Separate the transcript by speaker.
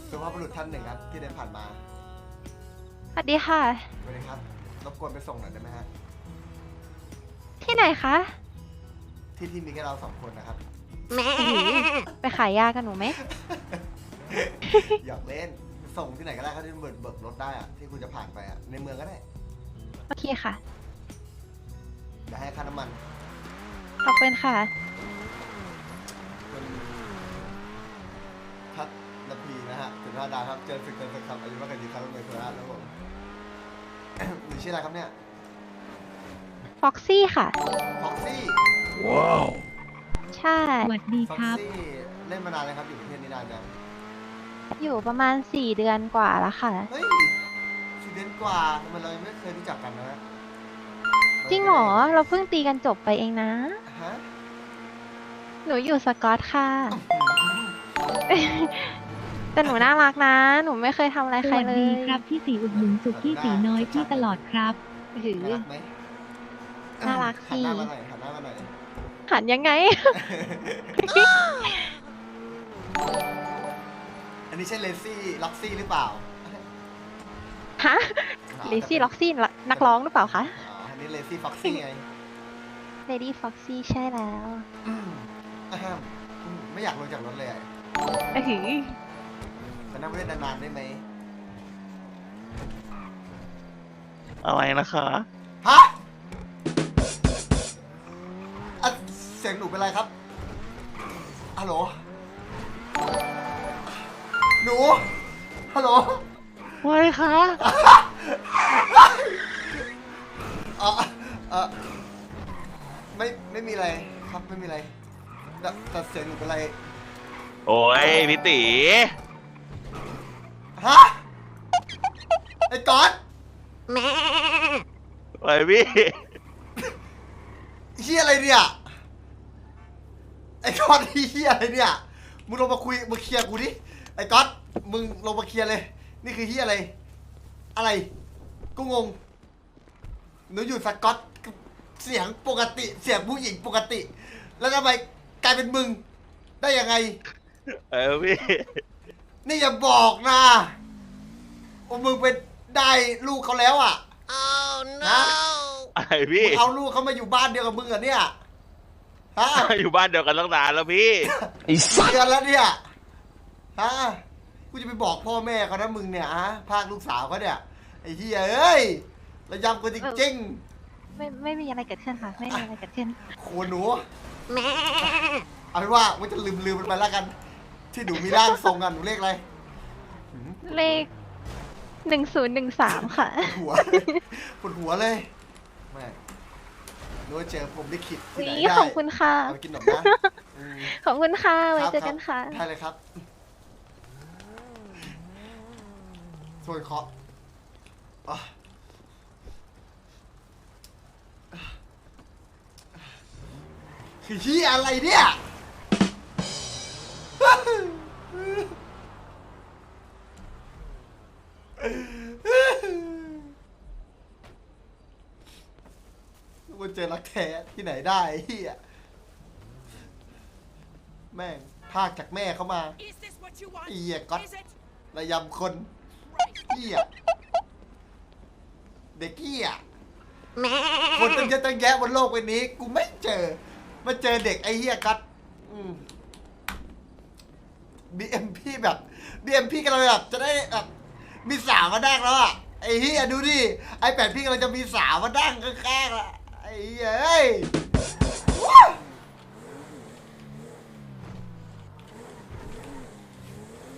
Speaker 1: สุภาพบุรุษท่านหนึ่งครับที่เดินผ่านมา
Speaker 2: สวัสดีค่ะ
Speaker 1: สวัสดีครับรบกวนไปส่งหน่อยได้ไหมฮะ
Speaker 2: ที่ไหนคะ
Speaker 1: ที่มีแค่เรา2 คนนะครับ
Speaker 2: ไปขายยากันหนูไหม
Speaker 1: อยากเล่นส่งที่ไหนก็ได้ครับที่เบิกรถได้อะที่คุณจะผ่านไปอะในเมืองก็ได้
Speaker 2: โอเคค่ะ
Speaker 1: เดี๋ยวให้ค่าน้ำมัน
Speaker 2: ขอบคุณค่ะ
Speaker 1: คุณทัศนพีนะฮะสุดท้าดาครับเจอศึกเจอศึกครับอายุมากกว่าดีครับเป็นโคราชแล้วผม หนูชื่ออะไรครับเนี่ย
Speaker 2: ฟ็อกซี่ค่ะ
Speaker 1: พ็อกซี่
Speaker 2: ใช่
Speaker 3: สวัสดี
Speaker 1: พ็อก
Speaker 3: ครับ
Speaker 1: ซี่เล่นมานานเลยครับอยู่ประเทศนี้นานยัง
Speaker 2: อยู่ประมาณ4 เดือนกว่าแล้วค่ะ
Speaker 1: เฮ้ย4 เดือนกว่าทำไมเรายังไม่เคยรู้จักกันนะฮะ
Speaker 2: จริงเหรอ เราเพิ่งตีกันจบไปเองนะ
Speaker 1: ฮะ
Speaker 2: หนูอยู่สกอตค่ะ แต่หนูน่ารักนะ หนูไม่เคยทำอะไร
Speaker 3: ส
Speaker 2: ใคร
Speaker 3: วัส
Speaker 2: เล
Speaker 3: ดี
Speaker 2: ย
Speaker 3: ครับพี่สีอุดหนุนสุกี้สีน้อยพี่ตลอดครับ
Speaker 2: หือ
Speaker 1: น่ารักไหม
Speaker 2: น่ารักสิ
Speaker 1: หันหน้ามาหน่อยหันหน้ามาหน่อย
Speaker 2: หันยังไง
Speaker 1: อันนี้ใช่เลซี่ล็อกซี่หรือเปล่า
Speaker 2: ฮะเลซี่ล็อกซี่นักร้องหรือเปล่าคะ
Speaker 1: อ๋ออันนี้เลซี่ฟ็อกซี่ไง
Speaker 2: เลดี้ฟ็อกซี่ใช่แล้ว
Speaker 1: อ่ะไม่อยากลงจากรถเลยอะ
Speaker 2: หือ
Speaker 1: ขอนั่งเล่นนานๆได้ไหม
Speaker 4: อะไรนะคะ
Speaker 1: ฮะอ่ะเสียงหนูเป็นไรครับฮัลโหลหนูฮัลโหล
Speaker 4: ว่าไงคะ
Speaker 1: เออเออไม่มีอะไรครับไม่มีอะไรแต่เสียงหนูเป็นไร
Speaker 4: โอ้ยพี่ตี
Speaker 1: ฮะไอ้ก๊อต
Speaker 4: ไปพี่
Speaker 1: เฮียอะไรเนี่ยไอ้ก๊อตเฮียอะไรเนี่ยมึงลงมาคุยมาเคลียร์กูดิไอ้ก๊อตมึงลงมาเคลียร์เลยนี่คือเฮียอะไรอะไรกูงงหนูอยู่สกอตเสียงปกติเสียงผู้หญิงปกติ แล้วทำไมกลายเป็นมึงได้ยังไง
Speaker 4: พี่
Speaker 1: นี่อย่าบอกนะว่ามึงเป็นได้ลูกเขาแล้วอ่ะนะ
Speaker 4: อะไรพี่
Speaker 1: มึงเอาลูกเขามาอยู่บ้านเดียวกับมึงเหรอเนี่ยฮะ
Speaker 4: อยู่บ้านเดียวกันตั้งนานแล้วพี่
Speaker 1: เดือนแล้วเนี่ยฮะกูจะไปบอกพ่อแม่เขานะมึงเนี่ยฮะพากลูกสาวเขาเนี่ยไอ้เหี้ยเอ้ยระยำกูจริง
Speaker 2: ไม่มีอะไรเกิดขึ้นค่ะ ไม่มีอะไรเกิดขึ้น
Speaker 1: ๆโขนหนูเอาเป็นว่ามันจะลืมมันไปแล้วกัน ที่หนูมีร่างทรงกันหนูเลขอะไร
Speaker 2: เลข1013 ค่ะ
Speaker 1: ปวดหัวเลยแม่หนูเจอผมได้ขิดที่ไหน
Speaker 2: นี่
Speaker 1: ได้
Speaker 2: ขอบคุณค่ะ
Speaker 1: เอาไปกินหนมนะอืม
Speaker 2: ขอบคุณค่ะ ไว้
Speaker 1: ครับ
Speaker 2: เจอกันค่ะ
Speaker 1: ได้เลยครับส่วนเคาะอ่ะคือที่อะไรเนี่ยมันเจอรักแท้ที่ไหนได้ไอ้เฮียแม่งพากจากแม่เขามาไอ้เหี้ยก๊อตระยำคนเหี้ยเด็กเหี้ยคนตั้งเยอะตั้งแยะบนโลกใบนี้ กูไม่เจอมาเจอเด็กไอ้เหี้ยก๊อตBMP แบบ BMP กำลังแบบจะได้แบบมีสาวมาดั้งแล้วอ่ะไอ้เหี้ยดูดิไอ้8พี่กำลังจะมีสาวมาดั้งข้างๆละไอ้เหี้ยเอ้ย